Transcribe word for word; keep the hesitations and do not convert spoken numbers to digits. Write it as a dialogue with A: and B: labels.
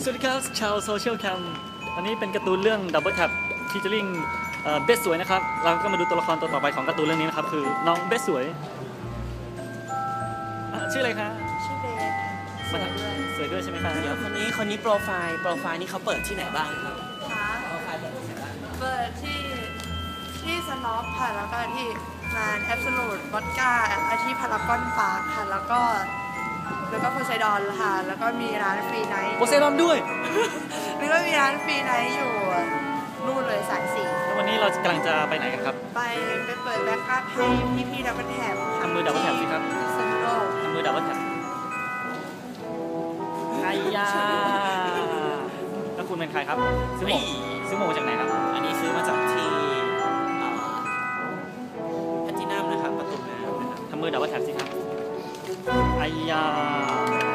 A: สวัสดีครับชาวโซเชียลแคมอันนี้เป็นการ์ตูนเรื่อง Double Tap featuring เบสสวยนะครับเราก็มาดูตัวละครตัวต่อไปของการ์ตูนเรื่องนี้นะครับคือน้องเบสสวยชื่ออะไรคะ
B: ชื่อเบสสวยด้วย
A: สวยด้วยใช่ไหมคะ
C: เดี๋ยวคนนี้คนนี้โปรไฟล์โปรไฟล์นี่เขาเปิดที่ไหนบ้างครับ
B: คะ
C: โปรไฟล์เปิดที่ไหนบ้าง
B: เปิดที่ที่สน็อปค่ะแล้วก็ที่งานแอบสูตวอดก้าที่พารากอนปาร์คค่ะแล้วก็แล้วก็โพไซดอนค่ะแล้วก็มีร้านฟรีไนท์
A: โพไซดอนด้วย
B: แล้วก็มีร้านฟรีไนท์อยู่นู่นเลยสายสี่
A: แล้ววันนี้เรากำลังจะไปไหนกันครับ
B: ไปไปเปิดแบ็คอัพให้พี่พี่ดับเบิลแท็บ
A: ทำมือดับเบิลแท็บสิครับ
B: เซนโร
A: ทำมือดับเบิลแท็บไอ้ยาแล้วคุณเป็นใครครับซื้อหมวกซื้อหมวกมาจากไหนครับ
C: อันนี้ซื้อมาจากที่แพทินัมนะครับประตูน้ำนะครับ
A: ทำมือดับเบิลแท็บสิครับไอ้ยา